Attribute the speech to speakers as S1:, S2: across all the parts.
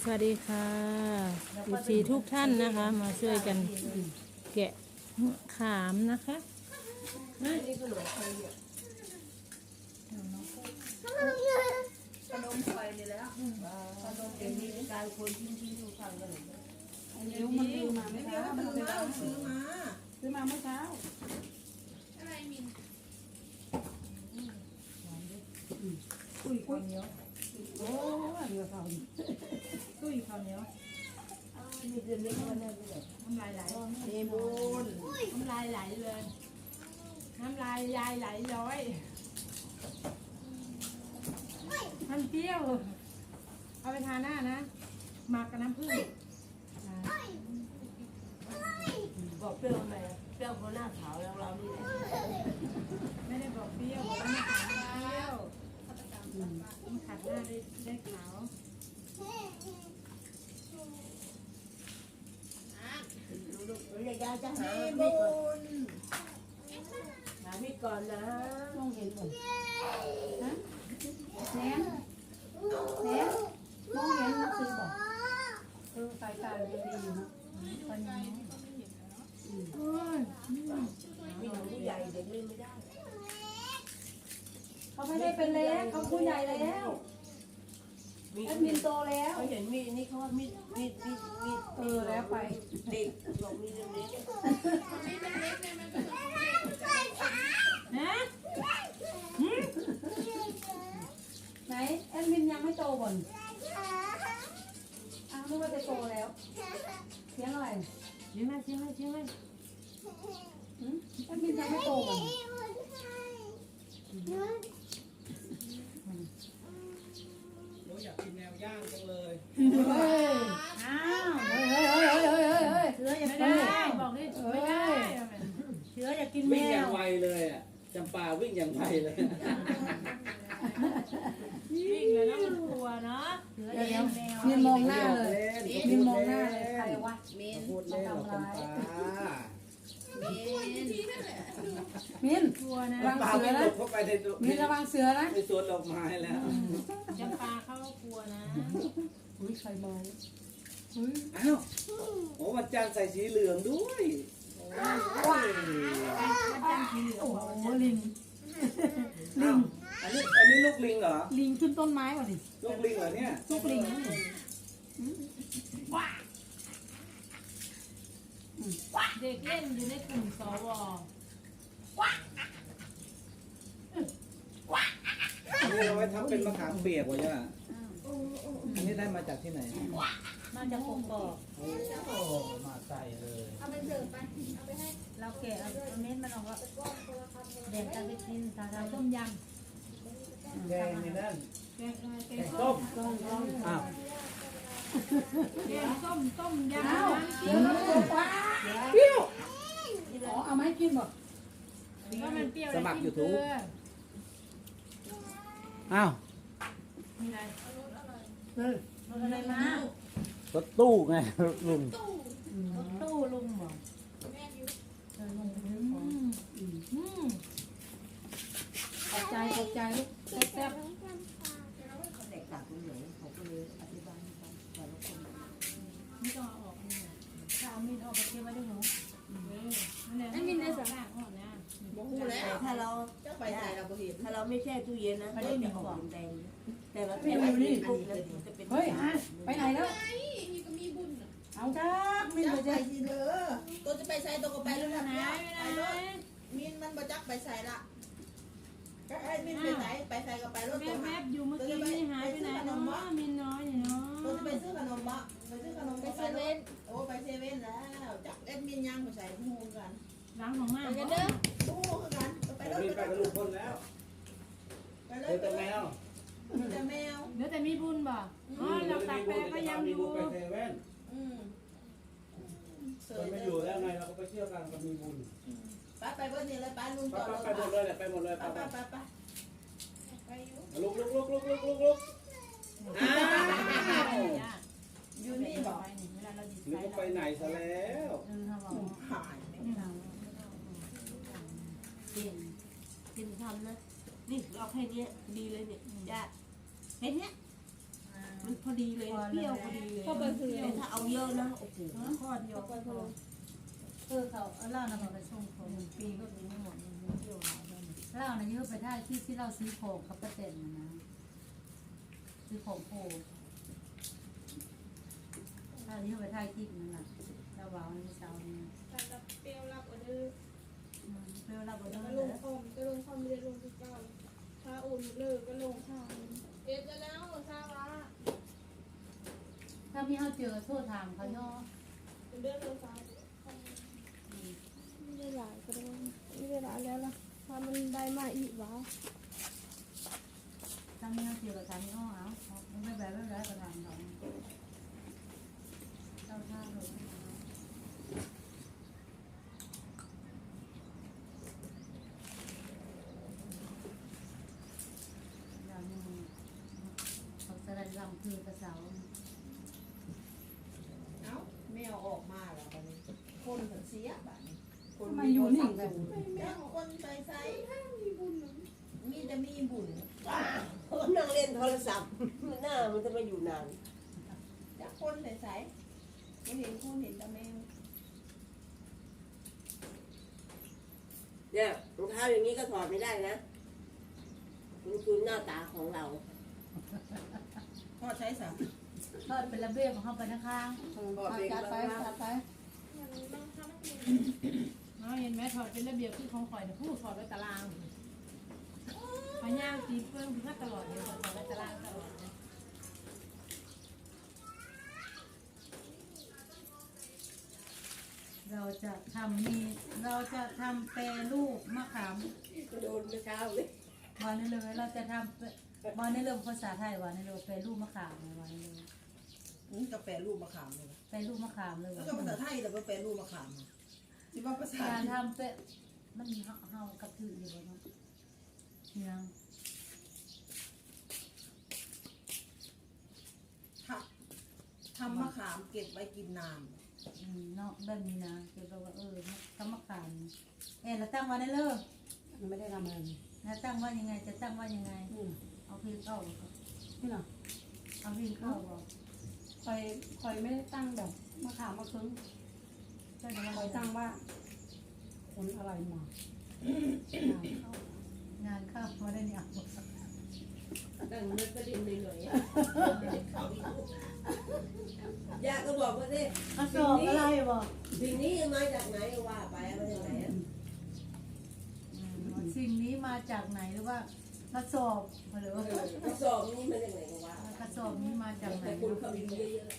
S1: สวัสดีค่ะสีทุกท่านนะคะมาช่วยกันแกะขามนะคะ
S2: ขนมไฟนี่แล้วขนมเองมีการคนทิ้งดูฟังกันเลยเดี๋ยวมันซื้อมาไม่เช้ามันซื้อมาเมื่อเช้าอะไรมินอุ้ยข้าวเหนียวโอ้เรือข้าวตุ้ยข้าวเหนียวมีเดือนเล็กวันนั้นเลยน้ำลายไหลเนมูนน้ำลายไหลเลยน้ำลายยายไหลย้อยมันเปรี้ยวเอาไปทาหน้านะหมักกับน้ำผึ้งบอกเปรี้ยวทำไมเปรี้ยวเพราะหน้าขาวแล้วเรานี่แหละไม่ได้บอกเปรี้ยวบอกว่าหน้าขาวเปรี้ยวมันขัดหน้าได้ขาวยายจะหามีดก่อนหามีดก่อนนะมองเห็นก่อนฮะแหนมองเห็นมันซื้อบอกสายตาดีอยู่นะตอนนี้มีหนูใหญ่เด็กเล่นไม่ได้เขาไม่ได้เป็นเล็กเขาผู้ใหญ่แล้วแอดมินโตแล้วเขาเห็นมีนี่เขาว่ามีแล้วไปเด็กบอกมีเล็กนะไหนแอดมินยังไม่โตบ่นนึกว่าจะโตแล้วเสียงอะไรเสียงอะไรแอดมินยังไม่โตบ่น
S3: อยากกินแนวย่างจังเลย
S2: อ้าวเสืออยากกินแมวบอกนี่ไม่ได้เสืออยากกินแม
S3: วิ่งอย่าง
S2: ว
S3: ไวเลยอ่ะจำปาวิ่งอย่างไวเลย
S1: วิ่งเลยนะมันกลัวเนาะ
S2: เสืออยากกินแมวมีมองหน้าเลยมีมองหน้าเลยใครวะ
S3: พูดเล่นหรอกจำปา
S2: มิน
S1: กลัวนะ
S2: ระวัง
S3: ปา
S2: เสือ
S3: วิ่งหล
S2: นะ
S3: บเข้าไปใน
S2: มินระวังเสือนะ
S3: ในสวนดอกไม้แล้ว
S1: จำปาเขากลัวนะ
S2: อุ้ยใครมอง
S3: อ้าวโอ้วันจันทร์ใส่สีเหลืองด้วยว้าว
S2: โอ้โหลิง
S3: อันนี้ลูกลิงเหรอ
S2: ลิงขึ้นต้นไม้ก่อนดิ
S3: ลูกลิงเหรอเนี่ย
S2: ลูกลิงว้า
S1: เด็กเล่นอยู่ในกลุ่มสว
S3: อันนี้เราไว้ทำเป็นมะขามเปียกวะเนี่ยอันนี้ได้มาจากที่ไหน
S1: มาจากกกอก
S3: โอ้มาใส่เลย
S1: เราแกะเอาเม็ดมันออกว่าแดงกันไปกินทำต้มยำ
S3: แกงในนั่น
S1: แกง
S3: แกงส้มอ้าว
S1: ต้มยำ
S2: อ้าวเดี๋ยวมันตัวปลาเปรี้ยวอ๋อเอามาให้กินบ่
S1: ก็มันเปรี้ยว
S3: สมัครยูทูบอ้าว
S1: มีอะไร
S2: เออ
S1: รถอะไรมาร
S3: ถตู้ไงรถลุง
S1: รถตู้ลุงบอก
S2: ขอบใจลูกแซ่บ
S1: ไม่ต้องเอาออกนี่ถ้าเอามีดออกก็เก็บไว้ด้วยหนูนั่นมินในสระอ่อนนะ
S4: พูดแล้วถ้าเราไปใส่เราบ่เห็นถ้าเราไม่แช่ตู้เย็นนะมันจะออกแดงแต่เราแช่ไว้นี่ปุ๊บแล้วจะเป็น
S2: เฮ้ยไปไหนแล้วเอาจ้ามิน
S4: จั
S2: ไป
S4: ก
S2: เจ๊
S4: ไปสิเด้อตัวจะไปใส่ตัวก็ไปแล้วนะ
S1: ไหน
S4: ไปรถมินมันบ่จักไปใส่ละก็ไอ้มินไปไหนไปใส่ก็ไปรถตัว
S1: แวบๆอยู่เมื่อกี้นี่หายไปไหนเนาะมินน้อยเนาะ
S4: ตัวจะไปซื้อขนมบ่ไปซื้อขนมไปเซเว่นโอ้ไปเซเว่นแล้วจักเอ็ดมินยังไปใส่หูกัน
S1: ล้างของมาก
S4: ไปเด้อหูกันไปรถ
S3: มีไปกับลุงพลแล้ว
S4: ไปเล
S3: เจ
S4: ย
S3: อแต่แมว
S4: แต่แมว
S1: เดี๋ยวแต่มีบุญบ่อ๋อเราตักแปลก็ยังอยู่
S3: ไปเซเว่น
S4: เส
S3: มัน
S4: ย
S3: ไม่
S4: เลย
S3: อยู่แล้วไงเราก็ไปเที่ยวกันมันมีบุญ
S4: ไปเบิดนี่เลยไปลุง
S3: ไป
S4: จอดรถ
S3: ไปหมดเลยแหละไปหมดเลย
S4: ไป
S3: ไป
S4: ไปไปไปอยู่
S3: ลุกอ้าว
S4: อยู่นี่บอก
S1: เวลาเราดิบ
S3: หรือว่าไปไหนซะแล้ว
S1: เขาบอก
S4: หาย
S5: กินทำนะนี่เราแค่นี้ดีเลยเนี่ยจ้าแค่นี้
S1: อ่า
S4: มันพอดีเลยเปรี้ยวพอดีเลย
S1: เข้าไปคือ
S4: แต่ถ้าเอาเยอะนะโอ้โหข้อเดียว
S1: เข้าไปคือ
S5: เขาเอาเหล้านำมาไปส่งเขาปีก็ปีไม่หมดมันเที่ยวหาได้เหล้านะยืมไปได้ที่เราซื้อของกับป้าเต็นนะซื้อของโพถ้ายืมไปได้ที่นั่นแหละเราวางในเสาเนี่ย
S1: แต่กับเปรี้ยวรับออเดอร์
S5: เพื่อเราบน
S1: ก็
S5: นั้น
S1: ลง
S5: เลย
S1: คอมก็ลงคอมไม่ได้ลงที่เก้าถ้าอุ่นเลยก็ลงทางเอ็ดแล้วทราบว่า
S5: ถ้ามีเขาเจอโทษทางเขาย่อ
S1: เป็นเดือนเลยทราบไม่ได้หลายก็ได้ไม่ได้หลายแล้วล่ะถ้ามันได้มาอีกวะ
S5: ถ้ามีเขาเจอกับทางย่อเอาไม่แบบไม่แบบกระทำเขาเจ้าท่าเลยเขาจะได้รำคือกระเสา
S2: เอ้าแมวออกมาแล้วตอนนี้คนถึงเสียแบบนี้คน
S5: มาอยู่นี่กัน
S2: แมวคนใส่ใส่มีบุญมีแต่มีบุญ
S4: นั่งเล่นโทรศัพท์หน้ามันจะมาอยู่นาน
S2: จากคนใส่ใส่ไม่เห็นคนเห็นแต่แมว
S4: เนี่ยรองเท้าอย่างนี้ก็ถอดไม่ได้นะมันคือหน้าตาของเรา
S2: พ่อใช้สับ
S5: ทอดเป็นระเบียบของเขาไปข้าง
S2: จัดไปจัดไป
S1: มันต้องทำให้
S2: เห็นไหมถอดเป็นระเบียบคือของข่อยนะผู้ถอดไว้ตารางพย่างตีเฟื่องพิทักตลอดเลยถอดไว้ตารางตลอดเลย
S5: เราจะทำนี่เราจะทำแปรรูปมะขาม
S4: โดนเมื่อเช้าเลย
S5: วันนี้เลยเราจะทำวันนี้เลยภาษาไทยวันนี้เลยแปรรูปมะขามเลยวันนี้เลย
S2: นี่กาแฟรูปมะขามเลย
S5: แปรรูปมะขามเลย
S2: แล้วก็ภาษาไทยแต่ว่าแปลรูปมะขามสิว่าภาษา
S5: การทำเป็นมันมีเฮากับถืออยู่บนนั้นนี่นะ
S2: ทำมะขามเก็บไว้กินนาน
S5: เนาะแบบนี้นะเกี่ยวกับว่าทำมะขามเราตั้งวันได้เลย
S4: ไม่ได้ทำอะไร
S5: นะตั้งว่ายังไงจะตั้งว่ายังไงเอาพิมพ์เข้า
S4: นี่หรอ
S5: เอาพิมพ์เข้าบอก
S4: คอยไม่ได้ตั้งแบบมะขามมะเขือ
S5: ใช่ไหม
S4: คอยตั้งว่าผลอะไรมาง
S5: านเข้ามาได้เนี่ย
S4: ตั้งนึกประเด็นเลยหน่อยยาก็บอกว่าสิ
S5: เอาสอบอะไรบอก
S4: สิ่งนี้มาจากไหนว่าไปมาจากไหน
S5: สิ่งนี้มาจากไหนหรือว่ากระสอบหรือว่าก
S4: ระสอบนี้มาจากไหนก็ว่า
S5: กระสอบนี้มาจากไหน
S4: แต่คุณเขามีเยอะ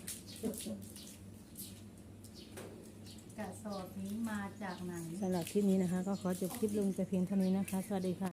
S5: กระสอบนี้มาจากไหน
S1: สำหรับคลิปนี้นะคะ ก็ขอจบคลิปลงแต่เพียงเท่านี้นะคะ สวัสดีค่ะ